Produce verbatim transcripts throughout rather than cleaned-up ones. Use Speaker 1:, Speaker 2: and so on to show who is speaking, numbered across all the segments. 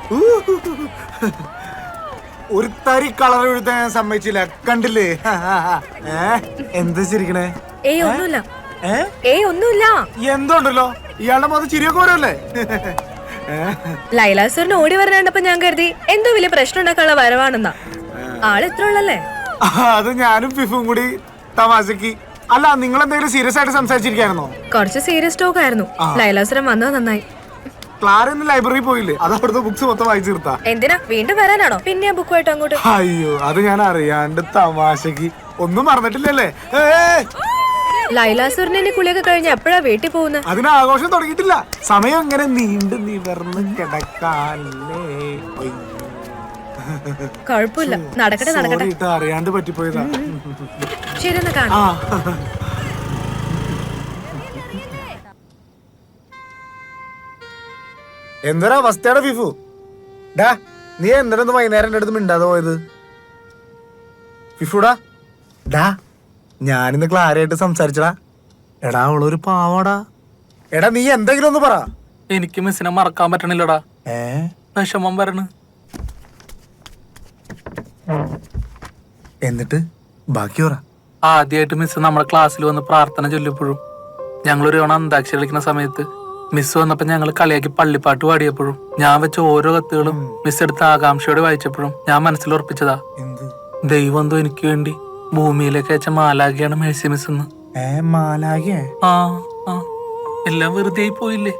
Speaker 1: ഒരു തരി കളർ എഴുതാൻ ഞാൻ സമ്മതിച്ചില്ല. കണ്ടില്ലേ? എന്താ ചിരിക്കണേ?
Speaker 2: ഏയ് ഒന്നുമില്ല. ഏയ് ഒന്നുമില്ല.
Speaker 1: എന്തോണ്ടല്ലോ ഇയാളുടെ മുഖത്ത് ചിരിയൊക്കെ വരല്ലേ?
Speaker 2: ലൈലാസുറിന് ഓടി വരാണ്ടപ്പോ ഞാൻ കരുതി എന്തോ വലിയ പ്രശ്നം ഉണ്ടാക്കാനുള്ള വരവാണെന്നാ. ആള് ഇത്ര ഉള്ളല്ലേ?
Speaker 1: അത് ഞാനും ഫിഫും കൂടി തമാശക്ക്. അല്ല, നിങ്ങൾ എന്തെങ്കിലും സീരിയസ് ആയിട്ട് സംസാരിച്ചിരിക്കായിരുന്നോ?
Speaker 2: കുറച്ച് സീരിയസ് ടോക്ക് ആയിരുന്നു. ലൈലാസുരൻ വന്നത് നന്നായി.
Speaker 1: ക്ലാര ഇന്ന് ലൈബ്രറി പോയില്ലേ? അത് അവിടുത്തെ ബുക്സ് മൊത്തം വായിച്ചു തീർത്താ.
Speaker 2: എന്തിനാ വീണ്ടും വരാനാണോ? പിന്നെ ബുക്കുമായിട്ട് അങ്ങോട്ട്?
Speaker 1: അയ്യോ, അത് ഞാൻ അറിയാണ്ട് തമാശക്ക്. ഒന്നും മറന്നിട്ടില്ലല്ലേ?
Speaker 2: ലൈലാസുറിനെ കുളിയൊക്കെ കഴിഞ്ഞ് എപ്പോഴാ വീട്ടിൽ പോകുന്നത്?
Speaker 1: അതിന് ആഘോഷം തുടങ്ങിയിട്ടില്ല. സമയം ഇങ്ങനെ നീണ്ടു നിവർന്ന് കിടക്കാല്ലേ.
Speaker 2: കുഴപ്പമില്ല, നടക്കട്ടെ നടക്കട്ടെ.
Speaker 1: അറിയാണ്ട് പറ്റിപ്പോയതാ.
Speaker 2: ശരി, എന്നാ കാണാം.
Speaker 1: എന്തൊരു അവസ്ഥയാണ് ഫിഫു. ഡാ, നീ എന്തിനൊന്ന് വൈകുന്നേരം എന്റെ അടുത്ത് മിണ്ടാതെ പോയത്? ഫിഫുടാ, ഡാ, ഞാനിന്ന് ക്ലാരയായിട്ട് സംസാരിച്ചടാ. എടാ, അവളൊരു പാവാടാ. എടാ, നീ എന്തെങ്കിലും ഒന്ന് പറ.
Speaker 3: എനിക്ക് മിസ്സിനെ മറക്കാൻ പറ്റണില്ലടാ.
Speaker 1: ഏ
Speaker 3: വിഷമം വരണ.
Speaker 1: എന്നിട്ട് ബാക്കി പറ.
Speaker 3: ആദ്യമായിട്ട് മിസ് നമ്മുടെ ക്ലാസ്സിൽ വന്ന് പ്രാർത്ഥന ചൊല്ലിയപ്പോഴും, ഞങ്ങളൊരു തവണ അന്താക്ഷരി കളിക്കുന്ന സമയത്ത് മിസ് വന്നപ്പോ ഞങ്ങൾ കളിയാക്കി പള്ളിപ്പാട്ട് പാടിയപ്പോഴും, ഞാൻ വെച്ച ഓരോ കത്തുകളും മിസ് എടുത്ത് ആകാംക്ഷയോടെ വായിച്ചപ്പോഴും ഞാൻ മനസ്സിൽ ഉറപ്പിച്ചതാ, ദൈവം എന്തോ എനിക്ക് വേണ്ടി ഭൂമിയിലേക്ക് അയച്ച മാലാഖയാണ് മേഴ്സി മിസ് എന്ന്. ആ ആ എല്ലാം വെറുതെ ആയി പോയില്ലേ?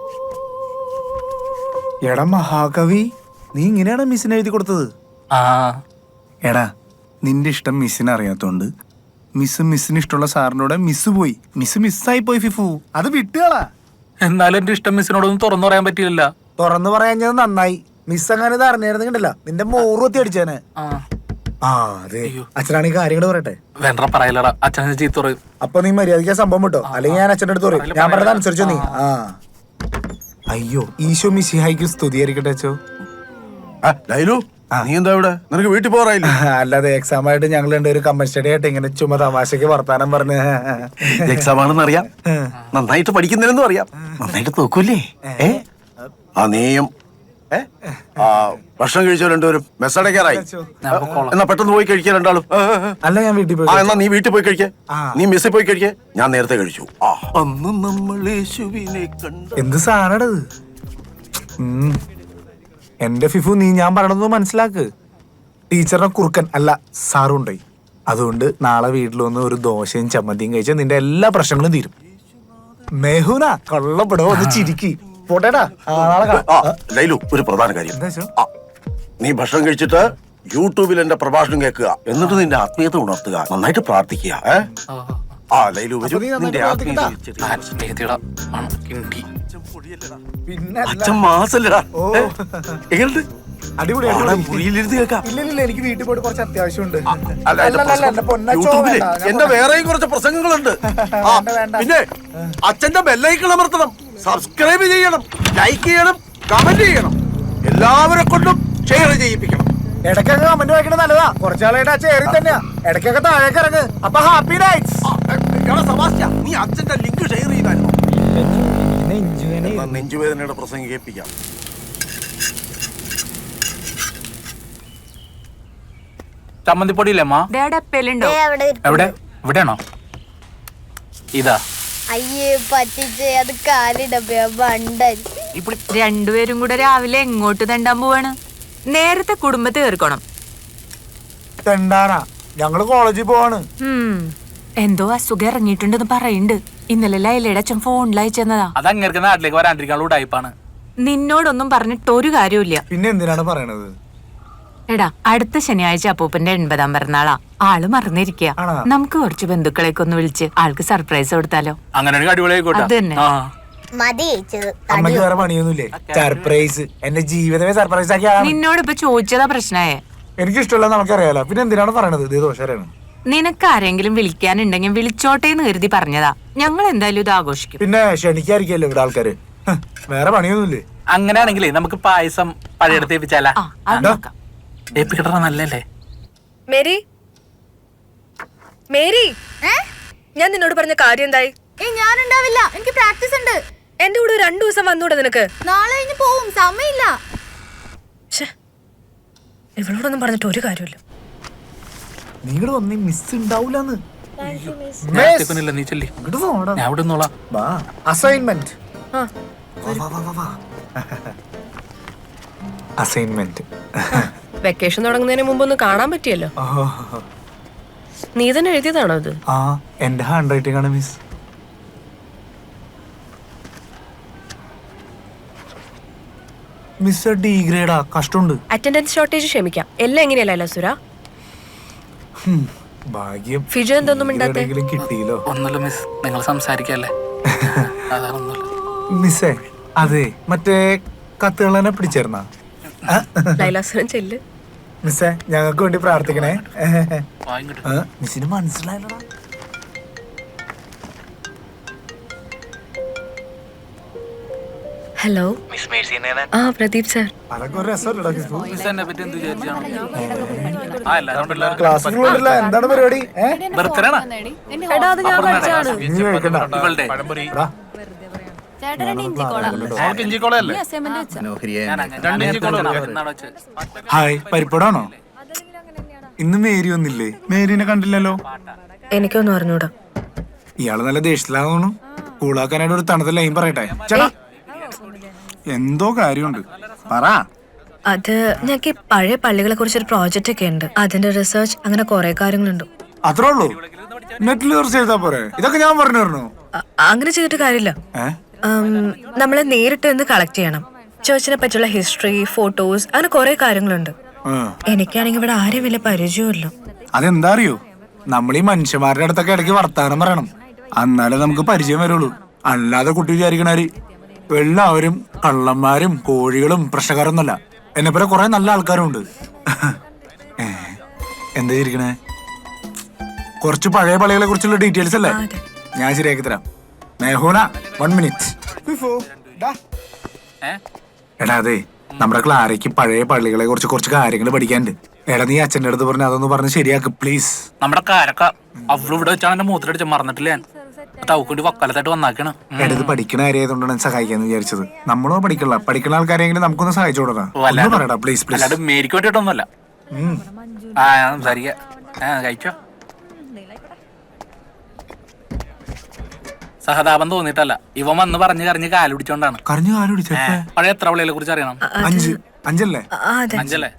Speaker 1: എടാ മഹാകവി, നീ ഇങ്ങനെയാണ് മിസ്സിന് എഴുതി കൊടുത്തത്?
Speaker 3: ആ
Speaker 1: എടാ, നിന്റെ ഇഷ്ടം മിസ്സിന് അറിയാത്തോണ്ട് മിസ് മിസ്സിന് ഇഷ്ടമുള്ള സാറിനോട് മിസ് പോയി. മിസ് മിസ്സായി പോയി ഫിഫു. അത് വിട്ടുകളാ.
Speaker 3: എന്നാലും എന്റെ ഇഷ്ടം മിസ്സിനോടൊന്നും തുറന്നു പറയാൻ പറ്റിയില്ല.
Speaker 1: തുറന്നു പറയാഞ്ഞത് നന്നായി. മിസ് അങ്ങനെ ഇത് അറിഞ്ഞിരുന്നില്ല, നിന്റെ മോറുത്തി അടിച്ചേനെ. ആ അതെ, അച്ഛനാണെങ്കിൽ കാര്യങ്ങൾ പറയട്ടെ.
Speaker 3: വേണ്ട പറയലടാ, അച്ഛനെ ചീത്ത പറയും.
Speaker 1: അപ്പൊ നീ മര്യാദയ്ക്ക് സംഭവം വിട്ടോ, അല്ലെങ്കിൽ ഞാൻ അച്ഛൻ്റെ അടുത്ത് പറയും. ഞാൻ പറഞ്ഞത് അനുസരിച്ചോ നീ. ആ അയ്യോ, ഈശോ മിശിഹായിക്ക് സ്തുതിയായിരിക്കട്ടെ അച്ഛോ.
Speaker 4: നീ എന്താ ഇവിടെ? നിനക്ക് വീട്ടിൽ പോറായില്ല?
Speaker 1: അല്ലാതെ എക്സാം ആയിട്ട് ഞങ്ങൾ രണ്ടുപേരും കമ്പൻ സ്റ്റഡി ആയിട്ട് ഇങ്ങനെ ചുമ തമാശക്ക് വർത്താനം പറഞ്ഞ്.
Speaker 4: എക്സാം ആണെന്ന് അറിയാം, നന്നായിട്ട് പഠിക്കുന്നില്ലെന്നും അറിയാം, നന്നായിട്ട് നോക്കൂല്ലേ? ഏ ആ നീയും ആ ഭക്ഷണം കഴിച്ചോ രണ്ടുപേരും? മെസ്സടക്കാറായി. എന്നാ പെട്ടെന്ന് പോയി കഴിക്കുക രണ്ടാളും.
Speaker 1: അല്ല, ഞാൻ വീട്ടിൽ പോയി.
Speaker 4: ആ എന്നാ നീ വീട്ടിൽ പോയി കഴിക്കേ. നീ മെസ്സിൽ പോയി കഴിക്കേ. ഞാൻ നേരത്തെ കഴിച്ചു. അന്ന് നമ്മൾ യേശുവിനെ കണ്ടു.
Speaker 1: എന്ത് സാധനത്? എന്റെ ഫിഫു, നീ ഞാൻ പറയണത് മനസ്സിലാക്ക്. ടീച്ചറിനെ കുറുക്കൻ അല്ല സാറുണ്ടായി. അതുകൊണ്ട് നാളെ വീട്ടിൽ വന്ന് ഒരു ദോശയും ചമ്മന്തിയും കഴിച്ചാൽ നിന്റെ എല്ലാ പ്രശ്നങ്ങളും തീരും. മെഹുന കൊള്ളപ്പെടോ, ഒന്ന് ചിരിക്കി പോട്ടേടാ.
Speaker 4: ലൈലു, ഒരു പ്രധാന കാര്യം, നീ ഭക്ഷണം കഴിച്ചിട്ട് യൂട്യൂബിൽ എന്റെ പ്രഭാഷണം കേൾക്കുക, എന്നിട്ട് നിന്റെ ആത്മീയത ഉണർത്തുക, നന്നായിട്ട് പ്രാർത്ഥിക്കുക. ആ ലൈലു, നിന്റെ അച്ഛൻ മാസല്ലടാ. മുറിയിലിരുന്ന് കേൾക്കാം.
Speaker 1: എനിക്ക് വീട്ടിൽ പോയിട്ട് കുറച്ച് അത്യാവശ്യമുണ്ട്.
Speaker 4: യൂട്യൂബില് എന്റെ വേറെയും കുറച്ച് പ്രസംഗങ്ങളുണ്ട്. പിന്നെ അച്ഛന്റെ ബെല്ലൈക്കൺ അമർത്തണം, സബ്സ്ക്രൈബ് ചെയ്യണം, ലൈക്ക് ചെയ്യണം, കമന്റ് ചെയ്യണം, എല്ലാവരെ കൊണ്ടും ഷെയർ ചെയ്യിപ്പിക്കണം.
Speaker 1: ഇടയ്ക്കൊക്കെ കമന്റ് വായിക്കണത് നല്ലതാ. കുറച്ചാളായിട്ട് ആ ചേരി തന്നെയാ. ഇടയ്ക്കൊക്കെ താഴേക്ക് ഇറങ്ങ്. അപ്പൊ ഹാപ്പി നൈറ്റ്സ്.
Speaker 4: നീ അച്ഛന്റെ ലിങ്ക് ഷെയർ ചെയ്തായിരുന്നു. നെഞ്ചുവേദനയുടെ പ്രസംഗം കേൾപ്പിക്കാം.
Speaker 3: ചമ്മന്തിപ്പൊടിയില്ലേ അമ്മ? എവിടെ? ഇവിടെയാണോ? ഇതാ.
Speaker 5: അയ്യേ പറ്റിച്ചേ, അത് കാലിടപ്പ ബണ്ടൻ.
Speaker 6: രണ്ടുപേരും കൂടെ രാവിലെ എങ്ങോട്ട് തെണ്ടാൻ പോവാണ്? നേരത്തെ കുടുംബത്തെ തീർക്കണം.
Speaker 1: തെണ്ടാനാ? ഞങ്ങള് കോളേജിൽ പോവാണ്.
Speaker 6: എന്തോ അസുഖം ഇറങ്ങിയിട്ടുണ്ടെന്ന് പറയുന്നുണ്ട്. ഇന്നലെ ലൈലയുടെ അച്ഛൻ ഫോണിൽ അയച്ചെന്നതാ.
Speaker 3: അതങ്ങനെ നാട്ടിലേക്ക് വരാണ്ടിരിക്കാനുള്ള ടൈപ്പാണ്.
Speaker 6: നിന്നോടൊന്നും പറഞ്ഞിട്ട് ഒരു കാര്യമില്ല.
Speaker 1: പിന്നെ എന്തിനാണ് പറയണത്?
Speaker 6: എടാ, അടുത്ത ശനിയാഴ്ച അപ്പൂപ്പന്റെ എൺപതാം പിറന്നാളാ. ആള് മറന്നിരിക്കുക. നമുക്ക് കുറച്ച് ബന്ധുക്കളെയൊക്കെ ഒന്ന് വിളിച്ച് ആൾക്ക് സർപ്രൈസ് കൊടുത്താലോ?
Speaker 3: അങ്ങനെ
Speaker 6: അത് തന്നെ.
Speaker 1: അമ്മയ്ക്ക് വേറെ പണിയൊന്നുമില്ലേ? സർപ്രൈസ് എന്റെ ജീവിതമേ സർപ്രൈസ് ആക്കിയാ.
Speaker 6: നിന്നോട് ഇപ്പൊ ചോദിച്ചതാ പ്രശ്നമായേ.
Speaker 1: എനിക്ക് ഇഷ്ടമല്ല, നമുക്കറിയാലോ. പിന്നെ എന്തിനാണ് പറയണത്? ഇത് ദോഷമാണ്.
Speaker 6: നിനക്ക് ആരെങ്കിലും വിളിക്കാനുണ്ടെങ്കിൽ വിളിച്ചോട്ടേന്ന് കരുതി പറഞ്ഞതാ. ഞങ്ങൾ എന്തായാലും ഇത് ആഘോഷിക്കും.
Speaker 1: പിന്നെ ക്ഷണിക്കായിരിക്കല്ലോ ഇവിടെ ആൾക്കാര്. വേറെ പണിയൊന്നുമില്ലേ?
Speaker 3: അങ്ങനെയാണെങ്കിലേ നമുക്ക് പായസം പഴയടുത്ത് ഏൽപ്പിച്ചാലാ? ഏൽപ്പിക്കട്ട നല്ലല്ലേ?
Speaker 2: മേരി, മേരി, ഞാൻ നിന്നോട് പറഞ്ഞ കാര്യം എന്തായി?
Speaker 5: ഞാനുണ്ടാവില്ല, എനിക്ക് പ്രാക്ടീസ് ഉണ്ട്.
Speaker 2: എന്റെ കൂടെ രണ്ടു ദിവസം വന്നൂടെ നിനക്ക്?
Speaker 5: നാളെ കഴിഞ്ഞ് പോവും, സമയമില്ല.
Speaker 2: ഇവളോടൊന്നും പറഞ്ഞിട്ട് ഒരു കാര്യമില്ല.
Speaker 1: നിങ്ങൾ വന്നേ മിസ് ഉണ്ടാവൂലെന്ന്.
Speaker 3: നേരത്തേക്കൊന്നുമില്ല, നീ ചെല്ലി. ഞാൻ ഇവിടെ നിന്നോളാം.
Speaker 1: അസൈൻമെന്റ്
Speaker 2: ആ
Speaker 1: അസൈൻമെന്റ്
Speaker 2: വെക്കേഷൻ തുടങ്ങുന്നതിന് മുമ്പ് ഒന്ന് കാണാൻ പറ്റിയല്ലോ. നീ തന്നെ എഴുതിയതാണോ ഇത്?
Speaker 1: ആ എന്റെ ഹാൻഡ് റൈറ്റിംഗ് ആണ് മിസ്. മിസ് ഡി ഗ്രേഡാ, കഷ്ടമുണ്ട്.
Speaker 2: അറ്റൻഡൻസ് ഷോർട്ടേജ് ക്ഷമിക്കാം, എല്ലാം എങ്ങനെയല്ല സുര.
Speaker 1: ഭാഗ്യം
Speaker 2: ഫിജു എന്തൊന്നും മിണ്ടാത്തെ?
Speaker 1: കിട്ടിയില്ലോ.
Speaker 3: ഒന്നുമില്ല മിസ്, നിങ്ങൾ സംസാരിക്കല്ലേ. അതാണൊന്നുമില്ല.
Speaker 1: മിസ്സേ അതെ മറ്റേ കത്തുകളെ പിടിച്ചേർന്ന
Speaker 2: ലൈലാസുരൻ ചെല്ല്.
Speaker 1: മിസ്സേ ഞങ്ങൾക്ക് വേണ്ടി പ്രാർത്ഥിക്കണേ.
Speaker 3: വാങ്ങിട്ട്
Speaker 1: ആ, മിസ്സിന് മനസ്സിലായല്ലോ.
Speaker 2: ഹലോ ആ പ്രദീപ് സാർ.
Speaker 1: അതൊക്കെ ഒരു രസമല്ലോ.
Speaker 3: മിസ് എന്നെ പറ്റി എന്ത് വിചാരിച്ചാണ്? ആ എല്ലാവരും പിള്ളേർ
Speaker 1: ക്ലാസ്സിലുള്ള എന്താണ് പരിപാടി?
Speaker 3: ബർത്ത്ഡേ ആണ്
Speaker 2: എടാ അത് ഞാൻ കഴിച്ചാണ്.
Speaker 1: നീ കഴിക്കണ്ട.
Speaker 3: ഇവളുടെ.
Speaker 1: എടാ,
Speaker 3: അവൾക്ക് ഇഞ്ചിക്കോളയല്ലേ? ഞാൻ അങ്ങനെ രണ്ട് ഇഞ്ചിക്കോള എന്നാണ് വെച്ചത്.
Speaker 1: ഹായ്, പരിപ്പടാണോ? ഇന്ന് മേരി വന്നില്ലേ? മേരിനെ കണ്ടില്ലല്ലോ.
Speaker 2: എനിക്കൊന്നും അറിഞ്ഞൂടാ.
Speaker 1: ഇയാള് നല്ല ദേഷ്യത്തിലാന്ന് തോന്നുന്നു. കൂളാക്കാനായിട്ട് ഒരു തണുത്ത ലൈൻ പറയട്ടെ. ചേട്ടാ എന്തോ കാര്യമുണ്ട്, പറ.
Speaker 2: അത് ഞങ്ങൾക്ക് ഈ പഴയ പള്ളികളെ കുറിച്ചൊരു പ്രോജക്റ്റ് ഒക്കെ ഉണ്ട്. അതിന്റെ റിസർച്ച് അങ്ങനെ കുറെ കാര്യങ്ങളുണ്ട്.
Speaker 1: അത്രേ ഉള്ളൂ? നെറ്റിൽ സെർച്ച് ചെയ്താ പോരെ? ഇതൊക്കെ ഞാൻ പറഞ്ഞു തരണോ?
Speaker 2: അ- അങ്ങനെ ചെയ്തിട്ട് കാര്യമില്ല.
Speaker 1: ഏഹ്
Speaker 2: നമ്മളെ നേരിട്ട് നിന്ന് കളക്ട് ചെയ്യണം. ചേർച്ചിനെ പറ്റിയുള്ള ഹിസ്റ്ററി, ഫോട്ടോസ്, അങ്ങനെ കുറെ കാര്യങ്ങളുണ്ട്. എനിക്കാണെങ്കിൽ ഇവിടെ ആരും വലിയ പരിചയമില്ല.
Speaker 1: അതെന്താ അറിയോ, നമ്മൾ ഈ മനുഷ്യന്മാരുടെ അടുത്തൊക്കെ ഇടയ്ക്ക് വർത്താനം പറയണം, എന്നാലേ നമുക്ക് പരിചയം വരുള്ളൂ. അല്ലാതെ കുട്ടി വിചാരിക്കണാര് എല്ലാവരും കള്ളന്മാരും കോഴികളും പ്രശ്നക്കാരൊന്നുമല്ല. എന്നെ പോലെ കുറെ നല്ല ആൾക്കാരും ഉണ്ട്. എന്താ ഇരിക്കണേ? കുറച്ച് പഴയ പള്ളികളെ കുറിച്ചുള്ള ഡീറ്റെയിൽസ് അല്ലേ? ഞാൻ ശരിയാക്കി തരാം. മേഹോന വൺ മിനിറ്റ്.
Speaker 3: ഏ?
Speaker 1: എടാ അതെ, നമ്മുടെ ക്ലാരയ്ക്ക് പഴയ പള്ളികളെ കുറിച്ച് കുറച്ച് കാര്യങ്ങൾ പഠിക്കാനുണ്ട്. എടാ നീ അച്ഛൻ്റെ അടുത്ത് പറഞ്ഞ് അതൊന്ന് പറഞ്ഞ് ശരിയാക്ക് പ്ലീസ്.
Speaker 3: നമ്മുടെ കാരക്ക അവള് ഇവിടെ വെച്ചാണ് എന്റെ മൂത്രടിച്ച് മറന്നിട്ടില്ല. ഞാൻ തവക്കൂട്ടി വക്കാലത്തായിട്ട് വന്നാക്കണം.
Speaker 1: എടാ ഇത് പഠിക്കണ കാര്യമായതുകൊണ്ടാണ് ഞാൻ സഹായിക്കാന്ന് വിചാരിച്ചത്. നമ്മളോ പഠിക്കണ പഠിക്കുന്ന ആൾക്കാരെങ്കിലും നമുക്കൊന്ന് സഹായിച്ചു കൊടുക്കാം. പറയടാ പ്ലീസ് പ്ലീസ്.
Speaker 3: അല്ലാണ്ട് മേരിക്ക് വേണ്ടിയിട്ടൊന്നുമല്ല. ആ ഞാൻ സംസാരിക്ക. കഴിച്ചോ? സഹതാപം തോന്നിയിട്ടല്ല, ഇവൻ വന്ന് പറഞ്ഞു കറിഞ്ഞ് കാല് പിടിച്ചോണ്ടാണ്.
Speaker 1: കരഞ്ഞു കാല് പിടിച്ചേ?
Speaker 3: പഴയ എത്ര പള്ളികളെ കുറിച്ച് അറിയണം?
Speaker 1: അഞ്ച് അഞ്ചല്ലേ?
Speaker 2: ആ, അതെ.
Speaker 3: അഞ്ചല്ലേ?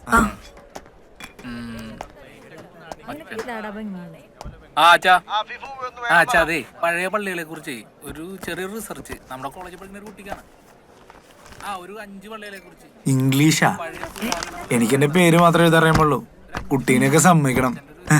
Speaker 3: ആ അച്ഛാ ആ അച്ഛാ അതെ, പഴയ പള്ളികളെ കുറിച്ച് ഒരു ചെറിയൊരു റിസർച്ച് നമ്മുടെ കോളേജിൽ പഠിക്കുന്ന ഒരു കുട്ടിക്കാണ്. ആ ഒരു അഞ്ച് പള്ളികളെ കുറിച്ച്.
Speaker 1: ഇംഗ്ലീഷാ? എനിക്ക് എന്റെ പേര് മാത്രമേ എഴുതറിയുമ്പുള്ളൂ. കുട്ടീനെയൊക്കെ സമ്മതിക്കണം.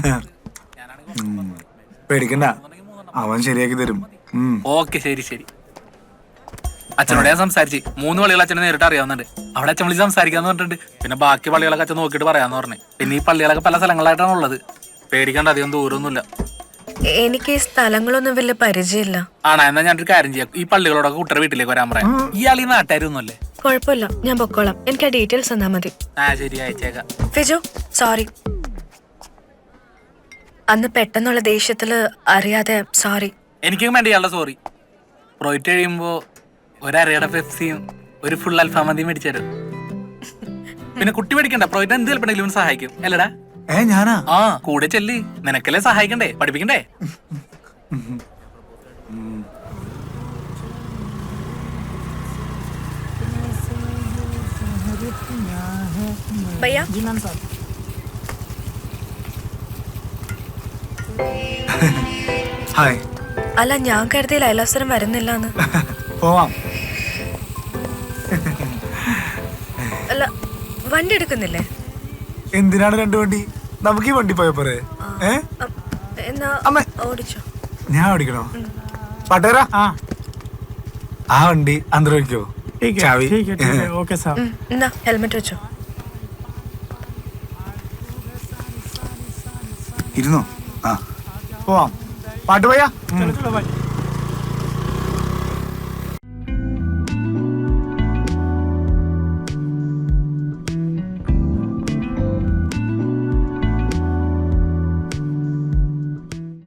Speaker 1: പേടിക്കണ്ട, അവൻ ശരിയാക്കി തരും.
Speaker 3: ഓക്കെ ശരി ശരി. അച്ഛനോട് ഞാൻ സംസാരിച്ച് മൂന്ന് പള്ളികൾ അച്ഛനെ നേരിട്ട് അറിയാവുന്നുണ്ട്. അവിടെ അച്ഛൻ വിളിച്ച് സംസാരിക്കാന്ന് പറഞ്ഞിട്ടുണ്ട്. പിന്നെ ബാക്കി പള്ളികളൊക്കെ അച്ഛൻ നോക്കിയിട്ട് പറയാന്ന് പറഞ്ഞു. പിന്നെ ഈ പള്ളികളൊക്കെ പല സ്ഥലങ്ങളായിട്ടാണ് ഉള്ളത്. പേടിക്കേണ്ട, അധികം ദൂരമൊന്നുമില്ല.
Speaker 2: എനിക്ക് ഈ സ്ഥലങ്ങളൊന്നും വലിയ പരിചയമില്ല.
Speaker 3: ആണോ? എന്നാ ഞാനൊരു കാര്യം ചെയ്യാം, ഈ പള്ളികളോടൊക്കെ കുട്ടിയുടെ വീട്ടിലേക്ക് വരാൻ പറയാം. ഇയാൾ ഈ നാട്ടുകാരൊന്നുമല്ലേ?
Speaker 2: കുഴപ്പമില്ല, ഞാൻ പൊക്കോളാം. എനിക്ക് ആ ഡീറ്റെയിൽസ് തന്നാ മതി.
Speaker 3: ആ ശരി, അയച്ചേക്കാം.
Speaker 2: ഫിജു സോറി, അന്ന് പെട്ടെന്നുള്ള ദേഷ്യത്തില് അറിയാതെ സോറി.
Speaker 3: എനിക്കും വേണ്ടി ഇയാളുടെ സോറി. പ്രോയിറ്റ് കഴിയുമ്പോ ഒരരയുടെ പെപ്സിയും ഒരു ഫുൾ അൽഫാമന്തിയും മേടിച്ചു തരും. പിന്നെ കുട്ടി മേടിക്കണ്ട, പ്രോയിറ്റ് എന്ത് ചിലപ്പോഴെങ്കിലും സഹായിക്കും അല്ലടാ?
Speaker 1: ഏ ഞാനാ?
Speaker 3: ആ കൂടെ ചെല്ലി, നിനക്കല്ലേ സഹായിക്കണ്ടേ, പഠിപ്പിക്കണ്ടേ?
Speaker 2: ഭയ്യ
Speaker 1: ഹായ്.
Speaker 2: അല്ല, ഞാൻ കരുതി ലൈലാസുരം വരുന്നില്ലാന്ന്.
Speaker 1: പോവാം.
Speaker 2: അല്ല, വണ്ടി എടുക്കുന്നില്ലേ?
Speaker 1: എന്തിനാണ് രണ്ട് വണ്ടി? നമുക്ക് ഈ വണ്ടി പോയ പോരെ? ഏ
Speaker 2: അ- എന്നാ
Speaker 1: അമ്മേ.
Speaker 2: ഓടിച്ചോ.
Speaker 1: ഞാൻ ഓടിക്കണോ? പട്ടേരാ ആ വണ്ടി അന്തരം വയ്ക്കോ? ചാവി.
Speaker 2: ഉം, എന്നാ ഹെൽമെറ്റ് വെച്ചോ.
Speaker 1: ഇരുന്നോ? ആ പോവാം. പാട്ട് പോയാ